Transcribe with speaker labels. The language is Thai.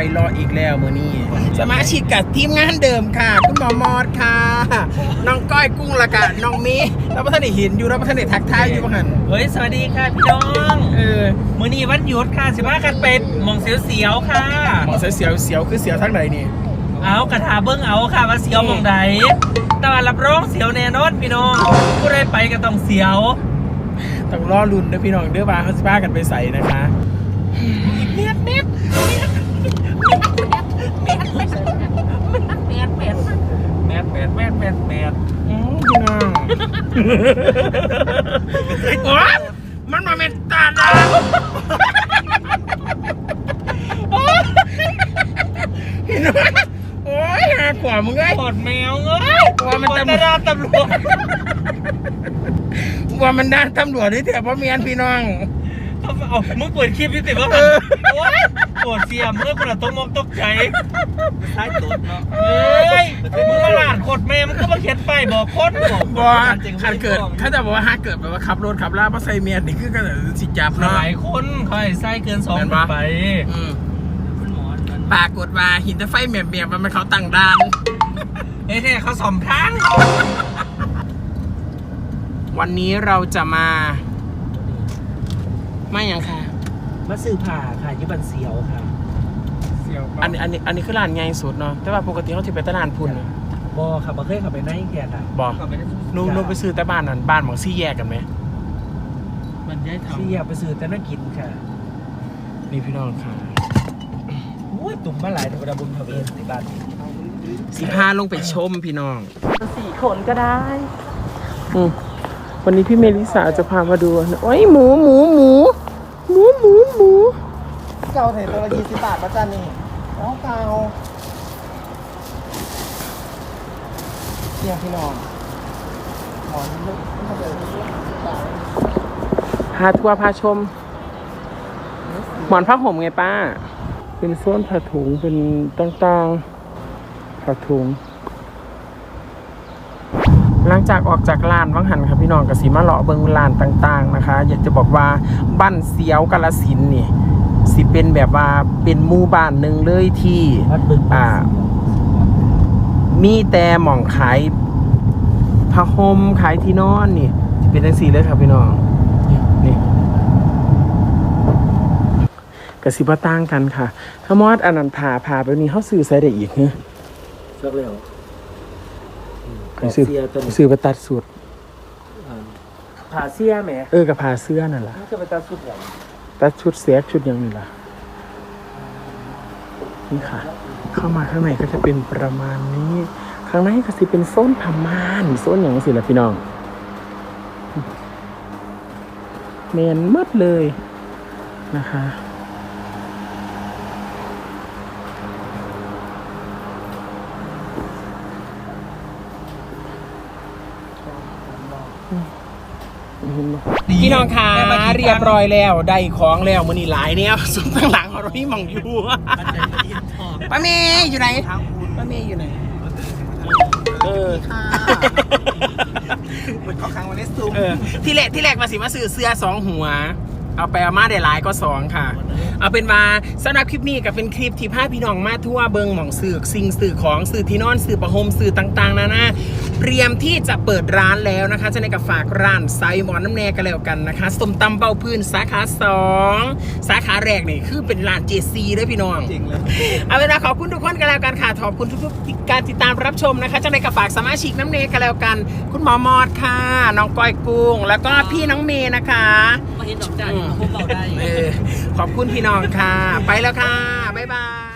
Speaker 1: รออีกแล้วมื้อนี้สมาชิกกับทีมงานเดิมค่ะคุณหมอมอดค่ะน้องก้อยกุ้งละกันน้องมีแล้วพระท่านได้เห็นอยู่แล้วพระท่านได้ทักทายอยู่บ้างหัน
Speaker 2: เฮ้ยสวัสดีค่ะพี่น้องมื้อนี้วันหยุดค่ะสิมากันเป็ดมองเสียวๆค่ะ
Speaker 1: หมอเสียวคือเสียวทั้งไหนนี่
Speaker 2: เอากระถาเบิ้งเอาค่ะว่าเสียวมองใดแต่ว่ารับรองเสียวแน่นอนพี่น้องผู้ใดไปก็ต้องเสียว
Speaker 1: ต้องรอลุ้นนะพี่น้องเด้อว่าเขาจะพากันไปใส่นะคะเม็ดพี่น้องโอ๊ยมันมาเม็ดตาดาวพี่น้องโอ้ยหากว่ามึงไง
Speaker 2: ปอดแมวเอ้ย
Speaker 1: ว่ามันตำรวจว่ามันด้านตำรวจนี่เถอะเพราะเมียนพี่น้อง
Speaker 2: เอามึงเปิดคลิปนี่ติว่าโอ๊ยปวดเสียมเมื่อคนละต้องมองตกใจใช่ตัวเนาะเฮ้ยมึงมาหลานขดแม่มึงก็มาเขียนไปบอกโคตร
Speaker 1: บอกถ้าเกิดเขาจะบอกว่าถ้าเกิดแบบว่าขับรถขับลาเพราะใส่เมียนนี่คือก็จะสิจับเนาะ
Speaker 2: หลายคนเขาให้ใส่เกิน2ไป
Speaker 1: ปรากฏว่าหินตะไฟเมียมันเขาตั้งด่าน
Speaker 2: เนี่ยเขาสอมทาง
Speaker 1: วันนี้เราจะมาไม่ยังค่ะ
Speaker 2: มาซื้อผ่าค่ะยี่บันเสียวค่ะ
Speaker 1: เสียวอันนี้คือร้านใหญ่สุดเนาะแต่ว่าปกติเขาถือไปตลาดพุ่น
Speaker 2: บอค่ะมาเคยขับไปไหนแกอ่ะ
Speaker 1: บอนุ่ไปซื้อแต่บ้านนั่นบ้านของซี่แยกกันไหม
Speaker 2: มันย้ายทำซี่แยกไปซื้อแต่น่ากินค่ะ
Speaker 1: นี่พี่น้องค่ะ
Speaker 2: อุ้ยตุ่มมาหลายธรรมดาบุญเขาเองที่บ้าน
Speaker 1: 15ลงไปชมพี่น้อง
Speaker 3: 4 คนก็ได้
Speaker 1: วันนี้พี่เมลิสาจะพามาดูโอ้ยหมู
Speaker 3: เก่าเห็นตัวละ20 บาทมาจ้านี่แล้วเก่าเนี่ยพี่น้องหมอนลึกมาเลย
Speaker 1: พาทัวร์พาชมหมอนผ้าห่มไงป้าเป็นโซนผ้าถุงเป็นต่างๆผ้าถุงหลังจากออกจากลานวังหันครับพี่น้องกสิมาเลาะเบิงลานต่างๆนะคะอยากจะบอกว่าบ้านเสียวกาฬสินธุ์นี่สิเป็นแบบว่าเป็นหมู่บ้านหนึ่งเลยที่มีแต่หม่องขายผ้าห่มขายที่นอนนี่เป็นจังซี่เลยครับพี่น้องนี่กสิบ่ต่างกันค่ะถ้ามอดอันนั้นผ่าแบบนี้เฮาซื้อใส่ได้อีกฮะ
Speaker 2: สักแล้ว
Speaker 1: ซื้อไปตัดสุด
Speaker 2: ผ่าเสื้อไหม
Speaker 1: กับผ่าเสื้อนั่นแหละ
Speaker 2: จะไปตัดชุดอย่าง
Speaker 1: ตัดชุดเสียชุดอย่างนี้ล่ะนี่ค่ะเข้ามาข้างในก็จะเป็นประมาณนี้ข้างในก็จะเป็นโซนผ้าม่านโซนอย่างนี้สิล่ะพี่น้องแมนมืดเลยนะคะพี่น้องค่ะเรียบร้อยแล้วได้ของแล้วมื้อนี้หลายเนี่ยสุดข้างหลังเราพี่มองอยู่ป้าเมย์อยู่ไหนป้าเมย์อยู่ไหน
Speaker 3: เหมือนเขาค้างวันนี้ซูม
Speaker 1: ที่แรกมาสิมาซื้อเสื้อ2 หัวเอาไปเอามาได้หลายก็2ค่ะเอาเป็นว่าสำหรับคลิปนี้ก็เป็นคลิปที่พาพี่น้องมาทั่วเบิงหม่องสื่อสิ่งสื่อของสื่อที่นอนสื่อประหมสื่อต่างๆนะเตรียมที่จะเปิดร้านแล้วนะคะจะในกับฝากร้านไซหมอนน้ำแน่กันแล้วกันนะคะส้มตำเบ้าพื้นสาขา2สาขาแรกนี่คือเป็นร้าน JC ด้วยพี่น้อง
Speaker 3: จริงเลย
Speaker 1: เอาเป็นว่าขอบคุณทุกคนกันแล้วกันค่ะขอบคุณทุกๆการติดตามรับชมนะคะจะในกับฝากสมาชิกน้ำเนกันแล้วกันคุณหมอมอดค่ะน้องก้อยกุ้งแล้วก็พี่น้องเมย์นะคะ
Speaker 2: เห็นดอกจันทร์พวกเราได้
Speaker 1: ขอบคุณพี่น้องค่ะไปแล้วค่ะบ๊ายบาย